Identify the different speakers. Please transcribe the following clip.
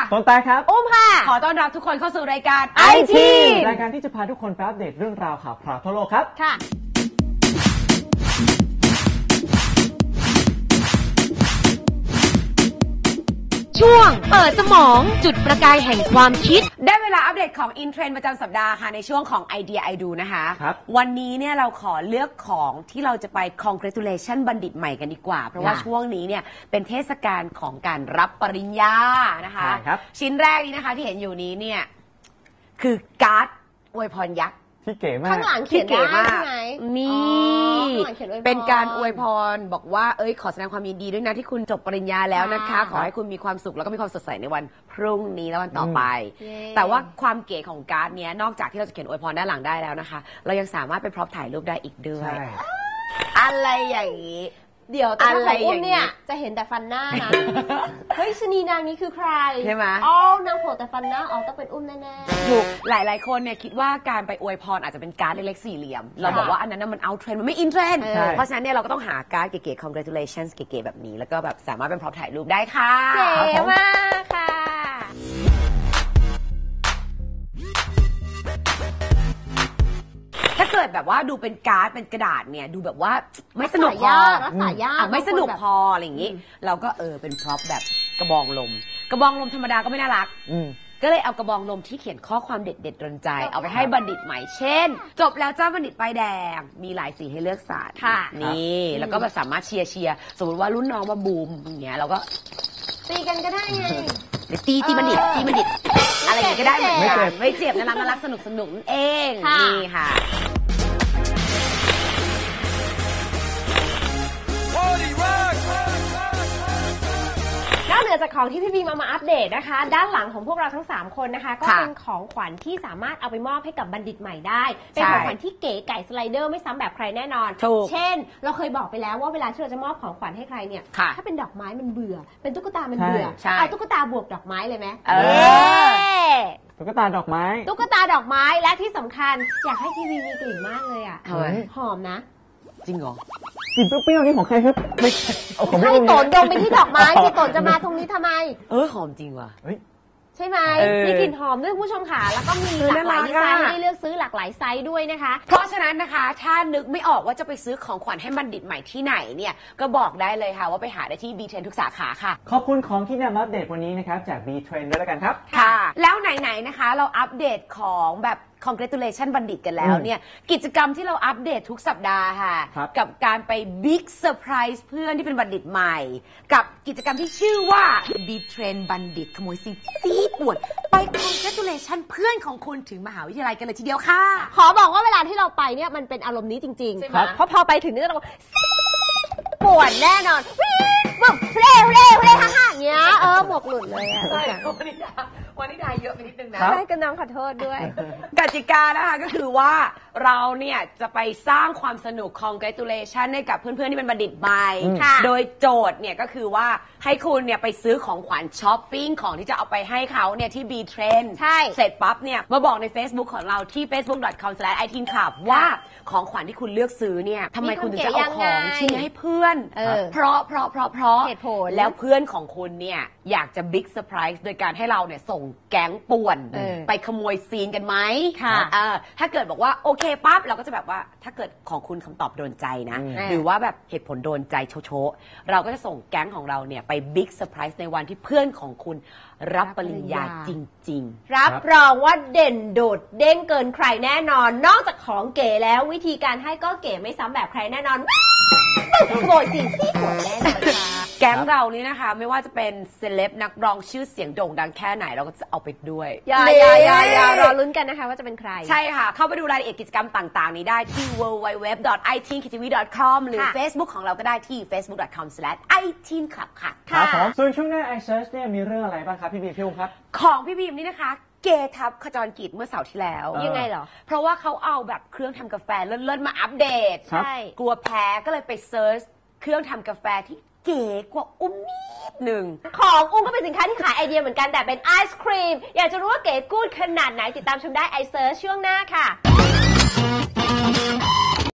Speaker 1: ต้นตาครับ
Speaker 2: อุ้มค่ะ
Speaker 3: ขอต้อนรับทุกคนเข้าสู่รายการ
Speaker 1: IT รายการที่จะพาทุกคนไปอัปเดตเรื่องราวข่าวคราวทั่วโลกครับ
Speaker 2: ค่ะ
Speaker 3: ช่วงเปิดสมองจุดประกายแห่งความคิดได้เวลาอัปเดตของอินเทรนด์ประจำสัปดาห์ค่ะในช่วงของไอเดียไอดูนะคะวันนี้เนี่ยเราขอเลือกของที่เราจะไป congratulation บัณฑิตใหม่กันดีกว่าเพราะว่าช่วงนี้เนี่ยเป็นเทศกาลของการรับปริญญานะคะชิ้นแรกนี้นะคะที่เห็นอยู่นี้เนี่ยคือการ์ดอวยพรยักษ์
Speaker 1: ที่เก๋มาก
Speaker 2: ข้างหลังเขียนได้ใช่ไหม
Speaker 3: นี่เป็นการอวยพรบอกว่าขอแสดงความยินดีด้วยนะที่คุณจบปริญญาแล้วนะคะขอให้คุณมีความสุขแล้วก็มีความสดใสในวันพรุ่งนี้และวันต่อไปแต่ว่าความเก๋ของการ์ดเนี้ยนอกจากที่เราจะเขียนอวยพรด้านหลังได้แล้วนะคะเรายังสามารถเป็นพร็อพถ่ายรูปได้อีกด้วยอะไรอย่างนี้
Speaker 2: เดี๋ยวแต่ถ้าของอุ้มเนี่ยจะเห็นแต่ฟันหน้านะเฮ้ยชนีนางนี้คือใคร
Speaker 3: ใช่ไหม
Speaker 2: อ๋อนางโผล่แต่ฟันหน้าต้องเป็นอุ้มแน่
Speaker 3: ๆถูกหลายๆคนเนี่ยคิดว่าการไปอวยพรอาจจะเป็นการ์ดเล็กๆสี่เหลี่ยมเราบอกว่าอันนั้นมันเอาเทรนด์มันไม่อินเทรนด์เพราะฉะนั้นเนี่ยเราก็ต้องหาการ์ดเก๋ๆ congratulations เก๋ๆแบบนี้แล้วก็แบบสามารถเป็นพร็อพถ่ายรูปได้ค่ะ
Speaker 2: เก๋มากค่ะ
Speaker 3: ถ้าเกิดแบบว่าดูเป็นการ์ดเป็นกระดาษเนี่ยดูแบบว่าไม่สนุกพอไม่สนุกพออะไรอย่างนี้เราก็เป็นพร็อพแบบกระบองลมธรรมดาก็ไม่น่ารักก็เลยเอากระบองลมที่เขียนข้อความเด็ดๆดลใจเอาไปให้บัณฑิตใหม่เช่นจบแล้วจ้าบัณฑิตป้ายแดงมีหลายสีให้เลือกสรร
Speaker 2: ค่ะ
Speaker 3: นี่แล้วก็แบบสามารถเชียร์สมมติว่ารุ่นน้องมาบูมอย่างเงี้ยเราก็
Speaker 2: ตีกันก็ได้ไง
Speaker 3: ตีบัณฑิตอะไรอย่างเงี้ยก็ได้เหมือนกันไม่เจ็บน่ารักสนุกนั่นเองนี่ค่ะ
Speaker 2: นอกเหนือจากของที่พี่บีมาอัปเดตนะคะด้านหลังของพวกเราทั้ง3คนนะคะก็เป็นของขวัญที่สามารถเอาไปมอบให้กับบัณฑิตใหม่ได้เป็นของขวัญที่เก๋ไก่สไลเดอร์ไม่ซ้ำแบบใครแน่นอนเช่นเราเคยบอกไปแล้วว่าเวลาที่เราจะมอบของขวัญให้ใครเนี่ยถ้าเป็นดอกไม้มันเบื่อเป็นตุ๊กตามันเบื่อเอาตุ๊กตาบวกดอกไม้เลยไหม
Speaker 1: ตุ๊กตาดอกไม้
Speaker 2: และที่สำคัญอยากให้พี่บีมีกลิ่นมากเลยอ่ะหอมนะ
Speaker 3: จริงเหรอ
Speaker 1: กลิ่นเปรี้ยวๆนี่ของใครครับไม่
Speaker 2: ให้โตนดมไปที่ดอกไม้ที่โตนจะมาตรงนี้ทำไม
Speaker 3: หอมจริงว่ะ
Speaker 2: ใช่ไหมมีกลิ่นหอมด้วยผู้ชมค่ะแล้วก็มีหลากหลายดีไซน์ให้เลือกซื้อหลากหลายไซส์ด้วยนะคะ
Speaker 3: เพราะฉะนั้นนะคะถ้านึกไม่ออกว่าจะไปซื้อของขวัญให้บัณฑิตใหม่ที่ไหนเนี่ยก็บอกได้เลยค่ะว่าไปหาได้ที่ B-Trend ทุกสาขาค่ะ
Speaker 1: ขอบคุณของที่นำมาอัปเดตวันนี้นะครับจาก B-Trend ด้วยแล้วกันครับ
Speaker 3: ค่ะแล้วไหนๆนะคะเราอัปเดตของแบบ congratulation บัณฑิตกันแล้วเนี่ยกิจกรรมที่เราอัปเดตทุกสัปดาห์ค่ะกับการไป big surprise เพื่อนที่เป็นบัณฑิตใหม่กับกิจกรรมที่ชื่อว่า B-Trend บัณฑิตขโมยซีปวดไป congratulation เพื่อนของคุณถึงมหาวิทยาลัยกันเลยทีเดียวค่ะ
Speaker 2: ขอบอกว่าเวลาที่เราไปเนี่ยมันเป็นอารมณ์นี้จริงๆเพราะพอไปถึงนี่เราปวดแน่นอนแบบเร่ฮ่าๆอย่างเงี้ยหมวกหลุดเลยอ่ะ
Speaker 3: ใช่วันนี้ได้เยอะไปนิดนึงนะ
Speaker 2: ใช่ก็น้องขอโทษด้วย
Speaker 3: กติกานะคะก็คือว่าเราเนี่ยจะไปสร้างความสนุก congratulation ให้กับเพื่อนๆที่เป็นบัณฑิตใหม่โดยโจทย์เนี่ยก็คือว่าให้คุณเนี่ยไปซื้อของขวัญช้อปปิ้งของที่จะเอาไปให้เขาเนี่ยที่ B-Trend
Speaker 2: ใช่
Speaker 3: เสร็จปั๊บเนี่ยมาบอกใน Facebook ของเราที่ facebook.com/iteenclub ว่าของขวัญที่คุณเลือกซื้อเนี่ยทำไมคุณถึงจะเอาของชิ้นนี้ให้เพื่อนเพราะ
Speaker 2: เหตุผล
Speaker 3: แล้วเพื่อนของคุณเนี่ยอยากจะบิ๊กเซอร์ไพรส์โดยการให้เราเนี่ยส่งแก๊งป่วนไปขโมยซีนกันไหมถ้าเกิดบอกว่าโอเคปั๊บเราก็จะแบบว่าถ้าเกิดของคุณคำตอบโดนใจนะหรือว่าแบบเหตุผลโดนใจโชว์เราก็จะส่งแก๊งของเราเนี่ยไปบิ๊กเซอร์ไพรส์ในวันที่เพื่อนของคุณรับปริญญาจริง
Speaker 2: ๆรับรองว่าเด่นโดดเด้งเกินใครแน่นอนนอกจากของเก๋แล้ววิธีการให้ก็เก๋ไม่ซ้ำแบบใครแน่นอนขโมยซีปวดแน่นอนค่ะ
Speaker 3: แก๊งเรานี้นะคะไม่ว่าจะเป็นเซเลบนักร้องชื่อเสียงโด่งดังแค่ไหนเราก็จะเอาไปด้วย
Speaker 2: อย่ารอลุ้นกันนะคะว่าจะเป็นใคร
Speaker 3: ใช่ค่ะเข้าไปดูรายละเอียดกิจกรรมต่างๆนี้ได้ที่ www.iteenktv.com หรือ Facebook ของเราก็ได้ที่ facebook.com/iteenclub ค่ะ
Speaker 1: ครับผมส่วนช่วงหน้า iSearch เนี่ยมีเรื่องอะไรบ้างครับพี่บีมพี่อุ้มครับ
Speaker 3: ของพี่บีมนี่นะคะเกทับขจรกิจเมื่อเสาร์ที่แล้ว
Speaker 2: ยังไงเหรอ
Speaker 3: เพราะว่าเขาเอาแบบเครื่องทำกาแฟเลิศๆมาอัปเดต
Speaker 2: ใช่
Speaker 3: กลัวแพ้ก็เลยไปเซิร์ชเครื่องทำกาแฟที่เก๋กว่าอุ้มนิดหนึ่ง
Speaker 2: ของอุ้มก็เป็นสินค้าที่ขายไอเดียเหมือนกันแต่เป็นไอศครีมอยากจะรู้ว่าเก๋กู๊ดขนาดไหนติดตามชมได้ไอเซิร์ชช่วงหน้าค่ะ